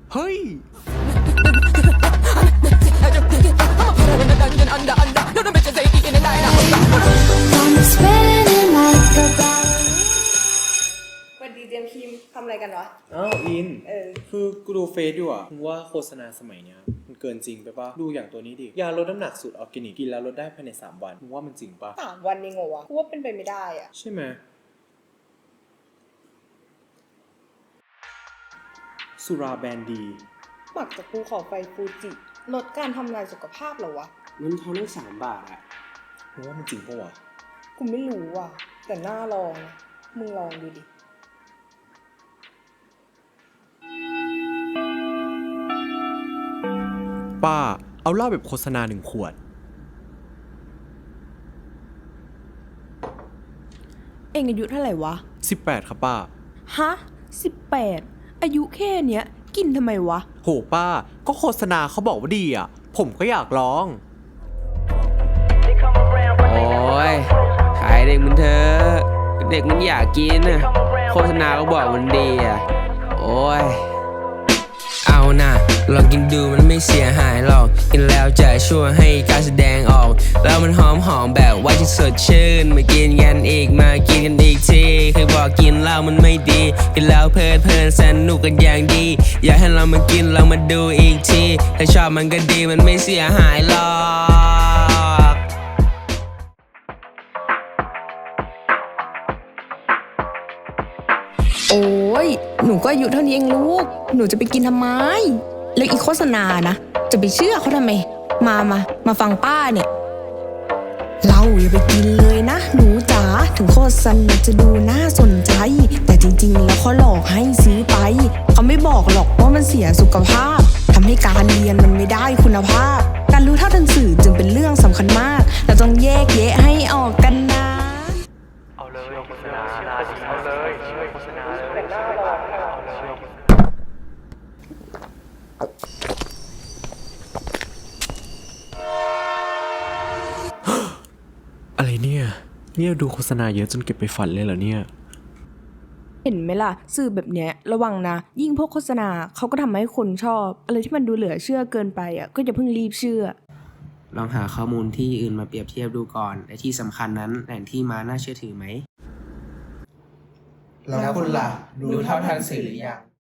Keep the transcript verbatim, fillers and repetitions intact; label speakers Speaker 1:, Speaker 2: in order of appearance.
Speaker 1: เฮ้ย
Speaker 2: สวัสดีเจมส์คิมทำอะไรกันวะ
Speaker 3: อ้าวอิน
Speaker 2: เออ
Speaker 3: คือกูดูเฟซอยู่อ่ะมึงว่าโฆษณาสมัยเนี้ยมันเกินจริงไปปะดูอย่างตัวนี้ดิยาลดน้ำหนักสูตรออร์แกนิกกินแล้วลดได้ภายในสามวันมึงว่ามันจริงปะ
Speaker 2: สามวันเองเหรอวะกูว่าเป็นไปไม่ได้อะ
Speaker 3: ใช่ไหมสุราแบรนด์ดี
Speaker 2: หมักจากภูเขาไฟฟูจิลดการทำลายสุขภาพเหรอวะ
Speaker 4: เงินทอนตั้งสามบาทอะ
Speaker 3: มึงว่ามันจริงปะวะ
Speaker 2: กูไม่รู้ว่ะแต่น่าลองนะมึงลองดูดิ
Speaker 1: ป้าเอาเหล้าแบบโฆษณาหนึ่งขวด
Speaker 5: เองอายุเท่าไหร่วะ
Speaker 1: สิบแปดครับป้า
Speaker 5: ฮะสิบแปดอายุแค่เนี้ยกินทำไมวะ
Speaker 1: โหป้าก็โฆษณาเขาบอกว่าดีอ่ะผมก็อยากลอง
Speaker 4: โอ้ยขายเด็กมันเถอะเด็กมันอยากกินนะโฆษณาก็บอกมันดีอ่ะโอ้ยเอานะลองกินดูมันไม่เสียหายหรอกกินแล้วจะช่วยให้การแสดงออกแล้วมันหอมหอมแบบว่าจะสดชื่นมากินกันอีกมากินกันอีกทีเคยบอกกินเหล้ามันไม่ดีกินแล้วเพลิดเพลินสนุกกันอย่างดีอยากให้เรามากินเรามาดูอีกทีถ้าชอบมันก็ดีมันไม่เสียหายหรอก
Speaker 5: โอ้ยหนูก็อายุเท่านี้เองลูกหนูจะไปกินทำไมแล้วอีโฆษณานะจะไปเชื่อเขาทำไมมามามาฟังป้าเนี่ยเราอย่าไปกินเลยนะหนูจ๋าถึงโฆษณาจะดูน่าสนใจแต่จริงๆแล้วเขาหลอกให้ซื้อไปเขาไม่บอกหรอกว่ามันเสียสุขภาพทำให้การเรียนมันไม่ได้คุณภาพการรู้เท่าทันสื่อจึงเป็นเรื่องสำคัญมากเราต้องแยกแยะให้ออกกันนะ
Speaker 3: เอาเลยโฆษณาเอาเลยโฆษณาเลยแต่หน้าลองเอาเลย
Speaker 1: อะไรเนี่ยเนี่ยดูโฆษณาเยอะจนเก็บไปฝันเลยเหรอเนี่ย
Speaker 5: เห็นไหมล่ะสื่อแบบเนี้ยระวังนะยิ่งพวกโฆษณาเขาก็ทำให้คนชอบอะไรที่มันดูเหลือเชื่อเกินไปอ่ะก็อย่าเพิ่งรีบเชื่อ
Speaker 4: ลองหาข้อมูลที่อื่นมาเปรียบเทียบดูก่อนและที่สำคัญนั้นแหล่งที่มาน่าเชื่อถือไหมแล้วคุณล่ะรู้เท่าทันสื่อหรือยัง